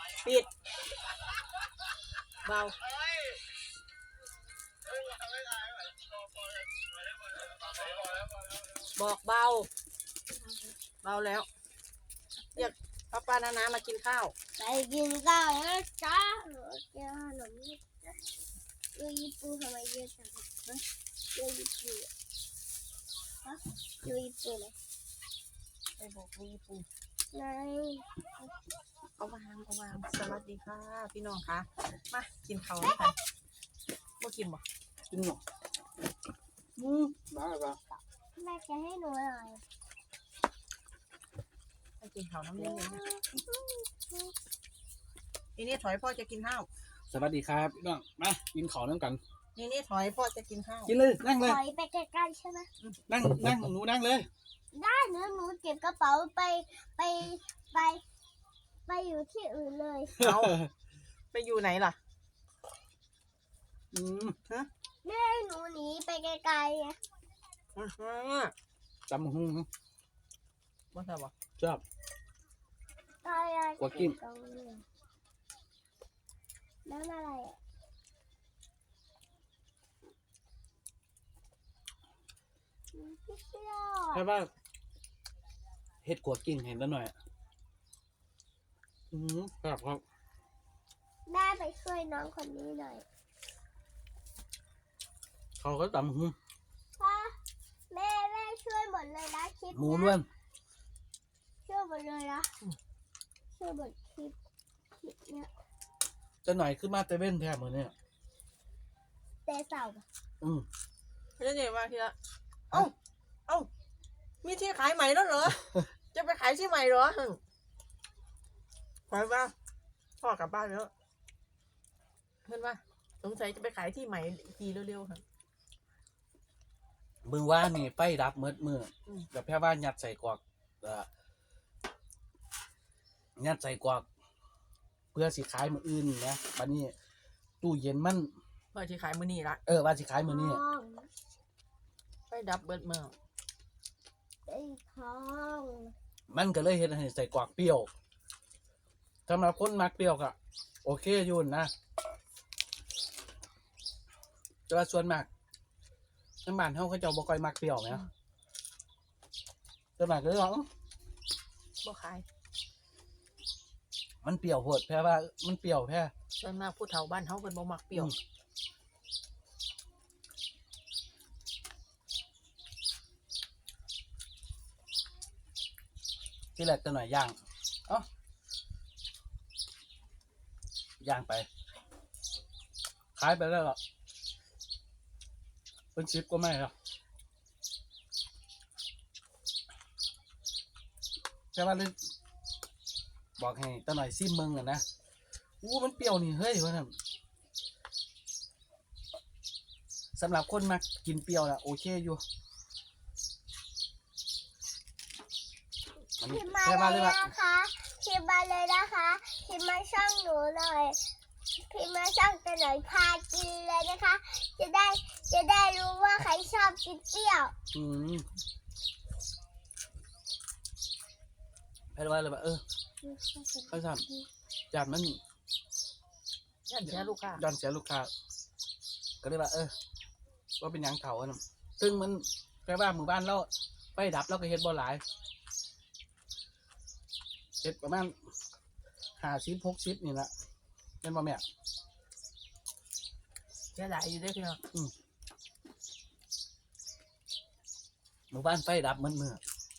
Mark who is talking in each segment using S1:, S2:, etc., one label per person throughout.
S1: ปิดเบาบอกเบาเบาแล้วเรียกป้านามากินข้าว
S2: ไปกินข้าวนะจ๊ะเจอขนมนี่จ๊ะเรือญี่ปุ่นทำไมเยอะจังเรือญี่ปุ่นฮะเรือญี่ปุ่นเลย
S1: ไปบอกเรือญี่ปุ่น
S2: ไหน
S1: เอาวางสวัสดีค่ะพี่น้องคะมากินข้าวด้วยกันบ่กินบ่
S3: กินหรอบ้าบ้า
S2: แม่จะให้หนูหน่อย
S1: ไปกินข้าวน้ำเย็นเลยนี่ถอยพ่อจะกินข้าว
S3: สวัสดีครับพี่น้องมากินข้าวน้ำกัน
S1: นี่ถอยพ่อจะกินข้าว
S3: กินเลยนั่งเลย
S2: ถอยไปใกล้ๆใช่ไหม
S3: นั่งหนูนั่งเลย
S2: ได้หนูเก็บกระเป๋าไปอยู่ที่อื่นเลย
S1: เอาไปอยู่ไหนล่ะ
S2: ฮะแม่หนูหนีไปไกลๆไง
S3: จำหุ้ง
S1: ว่าชอบบ่
S3: ชอบกว่ากิ้ง
S2: นั่นอะไรอ่ะ
S3: ใช่ป่ะเห็ดกว่ากิ้งเห็นแล้วหน่อยครับ
S2: แม่ไปช่วยน้องคนนี้หน่อย
S3: เขาก็จำหุ้ง
S2: พ่อแม่ช่วยหมดเลยนะคลิป
S3: หมูล้วน
S2: ช่วยหมดเลยนะช่วยหมดคลิปเนี้ย
S3: จะหน่อยขึ้นมาเตเว่นแทบเหมือนเนี่ย
S2: เตะเสา
S1: ไม่ได้เนี่ยมาทีละเอ้ามีที่ขายใหม่แล้วเหรอจะไปขายที่ใหม่เหรอขายบ้างพ่อกลับบ้านแล้วเห็นว่าสงสัยจะไปขายที่ใหม่ทีเร็วๆค่ะ
S3: มือว่านี่ไฟดับมือแบบแค่ว่ายัดใส่กวากยัดใส่กวากเพื่อสิขายมืออื่นนะบัดนี้ตู้เย็นมัน
S1: ว่าสิขายมื้อนี้ละ
S3: ว่าสิขายมื้อนี้
S1: ไฟดับเบิดมื้อ
S2: ไอ้ทอง
S3: มันก็เลยเฮ็ดให้ใส่กวากเปรี้ยวสำหรับคนมักเปรี้ยวก็โอเคอยู่นะแต่ว่าส่วนมากน้ำบ้านเฮาเขาเจ้าบ่ค่อยมักเปรี้ยวแหมส่วนมากก็เลยว่า
S1: บ่ขาย
S3: มันเปรี้ยวโพดแพ้ว่ามันเปรี้ยวแพ้
S1: ส่วนมากผู้เฒ่าบ้านเฮาเพิ่นบ่มักเปรี้ยว
S3: ที่แรกตัวหน่อยย่างย่างไปขายไปแล้วหรอเป็นชิปก็ไม่หรอกแค่ว่าเล่นบอกให้ตัวหน่อยซิมเมืองอ่ะนะมันเปรี้ยวนี่เฮ้ยว่านั่นสำหรับคนมากินเปรี้ยวนะโอเคอยู่
S2: พิมพ์มาเลยนะคะพิมพ์มาเลยนะคะพิมพ์มาช่องหนูหน่อยพิมพ์มาช่องตัวหน่อยพากินเลยนะคะจะได้รู้ว่าใครชอบกินเปรี้ยว
S3: ให้ไว้เลยว่าเขาทำจานมัน
S1: ย่านเสียลูกค้า
S3: ก็เลยว่าว่าเป็นยังเก่าอ่ะซึ่งมันแปลว่าหมู่บ้านเราไปดับเราก็เฮ็ดบ่หลายเฮ็ดประมาณ50-60นี่แหละเป็นบ่แม่
S1: เสียหลายอยู่ได้พี่น้อง
S3: หมู่บ้านไฟดับมือ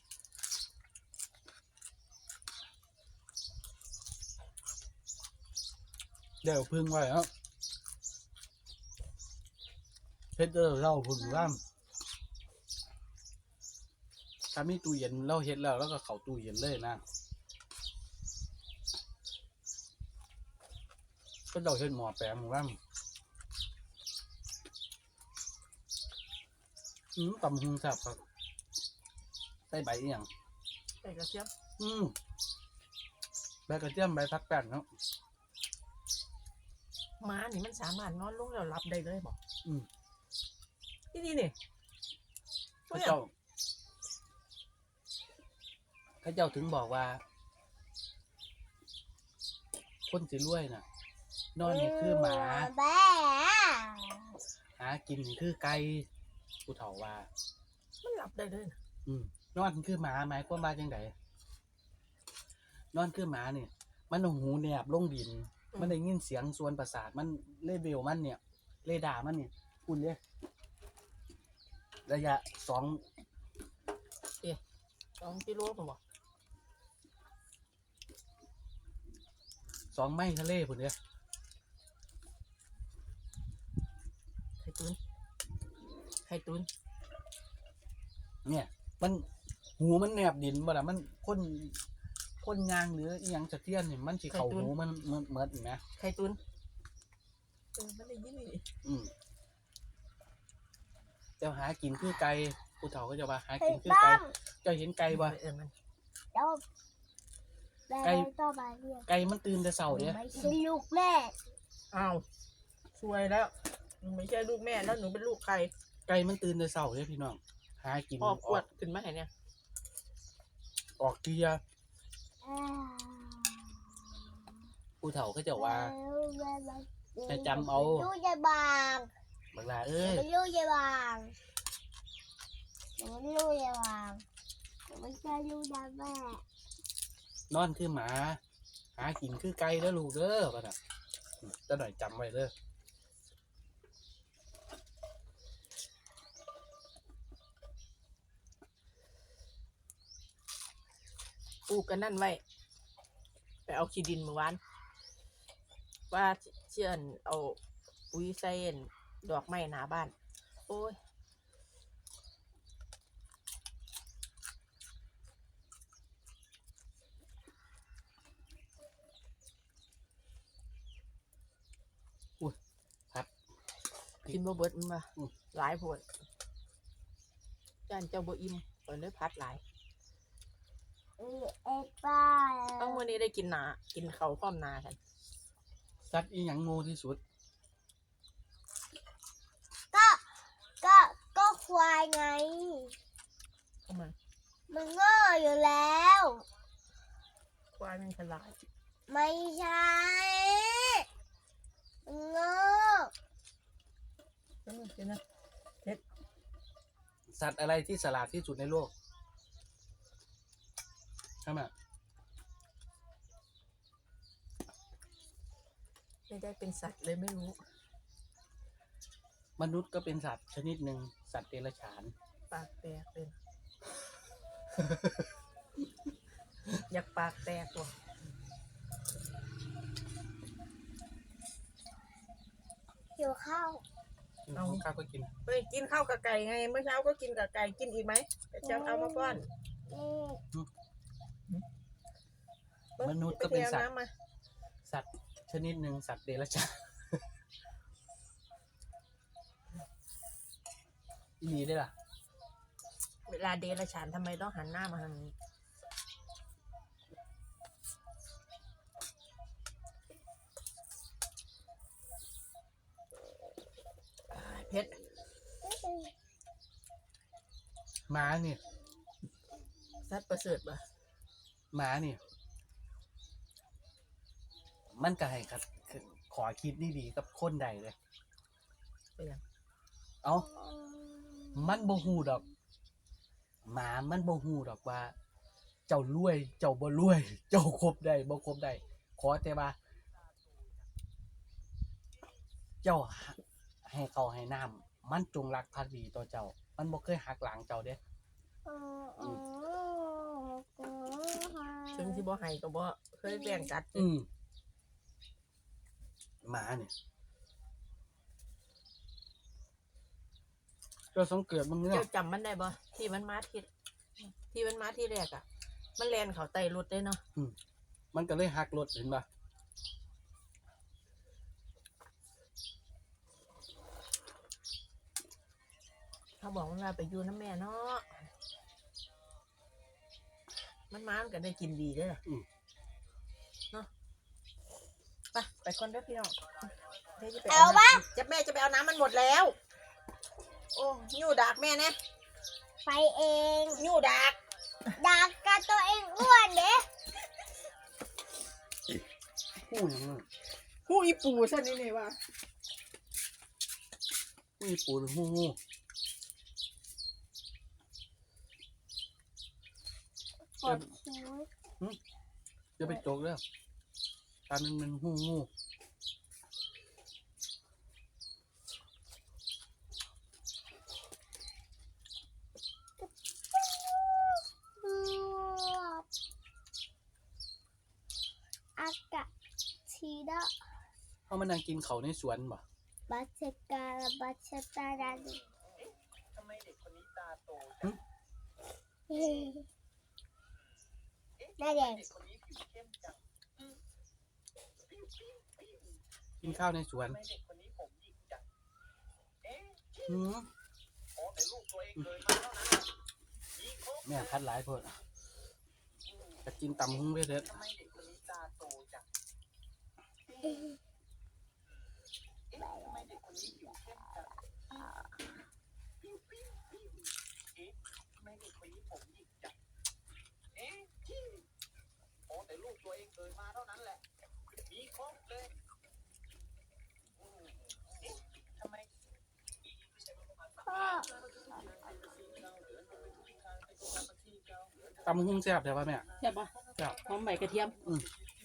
S3: เดี๋ยวพึ่งไว้ครับเพชรเราพึ่งร่ำถ้ามีตู้เย็นเราเฮ็ดแล้วก็เข้าตู้เย็นเลยนะก็เราเฮ็ดหม้อแปลงร่ำตำหุงแซ่บครับใส่ใบอีหยัง
S1: ใส่กระเทียม
S3: ใบกระเทียมใบผักแป้นเนาะ
S1: ม้านี่มันสามารถนอนลงแล้วหลับได้เลยบอกนี่
S3: เขาเจ้าถึงบอกว่าคนสิรวยน่ะ นอนนี่คือหมา
S2: แบ่
S3: หากินนี่คือไก่ผู้เฒ่าว่า
S1: มันหลับได้เลยนะ
S3: นอนคือหมาหมายความว่าจังไดนอนคือหมาเนี่ยมันเอาหูแนบลงดิน มันได้ยินเสียงส่วนประสาทมันเลเวลมันเนี่ยเรดาร์มันเนี่ยคุณเด้ระยะ2
S1: 2 กิโลผมบอก
S3: 2 ไมล์ทะเลพุ่นเด้
S1: ไข่ตุน
S3: เนี่ย มันหูมันแนบดินบ่ล่ะมันคนยางหรืออีหยังสะเทือนนี่มันสิเข้าหูมันเหมือนนะ
S1: ไข่ตุนมันได้ยินนี่
S3: เจ้าหากินคือไก่ผู้เฒ่าก็จะว่าหา
S2: เฮ้
S3: กิ
S2: ย
S3: นคือ
S2: ต้
S3: ไก่
S2: อม
S3: เจ้าเห็นไก่บ่
S1: มัน
S2: เดี๋ยวแม่
S3: ไก่
S2: ต่อมาเรียก
S3: ไก่มันตื่นแต่เช้าเด้
S2: ไม่ใช่ลูกแม่
S1: อ้าวซวยแล้วหนูไม่ใช่ลูกแม่แล้วหนูเป็นลูกใคร
S3: ไก่มันตื่นแต่เช้าเด้พี่น้องหากิน
S1: ออกขวดขึ้นมาให้เนี่ย
S3: ออกเกียร์ผู้เฒ่าก็จะว่า ให้จำเอา
S2: ลูกยายบาง
S3: บักลาเอ้ย
S2: เป็นลูกยายบางหนูเป็นลูกยายบางหนูไม่ใช่ลูกยายแม่
S3: นอนคือหมา หากินคือไก่เด้อลูกเด้อป่ะน่ะจะหน่อยจำไว้เด้อ
S1: ปลูกกันนั่นไว้ไปเอาขี้ดินเมื่อวานว่าเชื่อนเอาปุ๋ยใส่ดอกไม้หน้าบ้าน โอ้ย
S3: ครับ
S1: กินบ่เบิดมันมา
S3: อืม
S1: หลายโพดจานเจ้าบ่อิ่มเปิดเลยพัดหลาย
S2: เอ็ดป้า
S1: ต้องมื้อนี้ได้กินหนากินข้าวพร้อมหนากัน
S3: สัตว์อีหยังโง่ที่สุด
S2: ก็ก็ก็ควายไง
S1: เข้ามา
S2: มันโง่อยู่แล้ว
S1: ควายมันฉลาด
S2: ไม่ใช่มันโง่
S1: เดี๋ยวนะ
S3: สัตว์อะไรที่ฉลาดที่สุดในโลกใช่ไหม
S1: ไม่ได้เป็นสัตว์เลยไม่รู้
S3: มนุษย์ก็เป็นสัตว์ชนิดหนึ่งสัตว์เดรัจฉาน
S1: ปากแตกเลย อยากปากแตกว่ะ
S2: หิวข้าว
S3: เอาข้าวก็กิน
S1: เฮ้ยกินข้าวกับไก่ไงเมื่อเช้าก็กินกับไก่กินอีกไหมเดี๋ยวจะเอามาป้อน
S2: นี่
S3: มนุษย์ก็เป็นสัตว์
S1: ไปอาำมา
S3: สัตว์ชนิดหนึ่งสัตว์เดรัจฉาน อีหลีได้ล่ะ
S1: เวลาเดรัจฉานทำไมต้องหันหน้ามาทางนี้เพชร
S3: หมาเนี่ย
S1: สัตว์ประเสริฐปะ
S3: หมาเนี่ยมันก็ให้ครับขอคิดดีๆกับคนใดเลย
S1: ไปยัง
S3: เอามันบ่ฮู้ดอก หมามันบ่ฮู้ดอกว่า เจ้ารวย เจ้าบ่รวย เจ้าครบได้บ่ครบได้ขอแต่ว่า เจ้าให้เขาให้น้ำมันจงรักภักดีต่อเจ้า มันบ่เคยหักหลังเจ้าเด้
S1: ถึงที่บ่ให้ก็บ่เคยแบ่งกัด
S3: หมาเนี่ยก็สังเกตมึงเนี่ย
S1: เจ้าจำมันได้บ่ที่มันมาที่แรกอ่ะ มันแลนเขาไต่รถได้เนาะ
S3: มันก็เลยหักรถเห็นป่ะ
S1: เขาบอกว่าไปอยู่น้ำแม่เนาะมันมามันก็ได้กินดีเด้อเนาะไปคนเด้อพี่น้องเดี๋ยวจะไป
S2: เอาปะ
S1: จะแม่จะไปเอาน้ำมันหมดแล้ว โอ้ยู่ดักแม่เนี่ย
S2: ไปเอง
S1: ยู่ดัก
S2: ดักกับตัวเองอ้วนเด้
S1: หู
S3: หูอย่างนั้น
S1: หูอีปูซะนี่นี่ว่า
S3: หูอีปูหรือหู
S2: ปวดคิ้ว
S3: จะไปจกแล้วตามันหู
S2: อากาศชีดะ
S3: เขามานั่งกินเขาในสวนบ่
S2: บัชกาลบัชตาดัน
S4: ทำไมเด็กคนนี้ตาโต
S2: หน้าแดง
S4: เด็กคนนี้ผิวเข้มจัง
S3: กินข้าวในสวน
S4: ทำไมเด็กคนนี้ผมหยิกจัง
S3: หืม
S4: อ๋อแต่ลูกตัวเองเลยมาเท่านั้นยิงครบ
S3: แม่พัดหลายเพิ่นจะกินตำหุ้งไปเถอะ
S4: ทำไมเด็กคนนี้ตาโตจังทำไมเด็กคนนี้ผิวเข้มจังทำไมเด็กคนนี้ผมหยิกจังอ๋อแต่ลูกตัวเองเลยมาเท่านั้นแหละมีครบเลยทำไม
S2: พ่อ
S3: ตำหุ้งแซ่บแต่ว่าแม่
S1: ใช่ปะ
S3: แซ่บ
S1: หอมใบกระเทียม
S3: อืม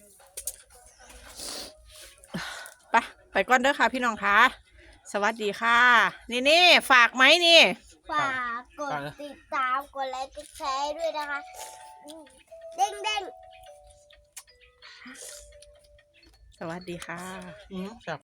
S1: ไปก่อนเด้อค่ะพี่น้องค่ะสวัสดีค่ะ นี่ฝากไหมนี่
S2: ฝากกดติดตามกดไลค์กดแชร์ด้วยนะคะเด้งเด้ง
S1: สวัสดีค่ะ
S3: แซ่บ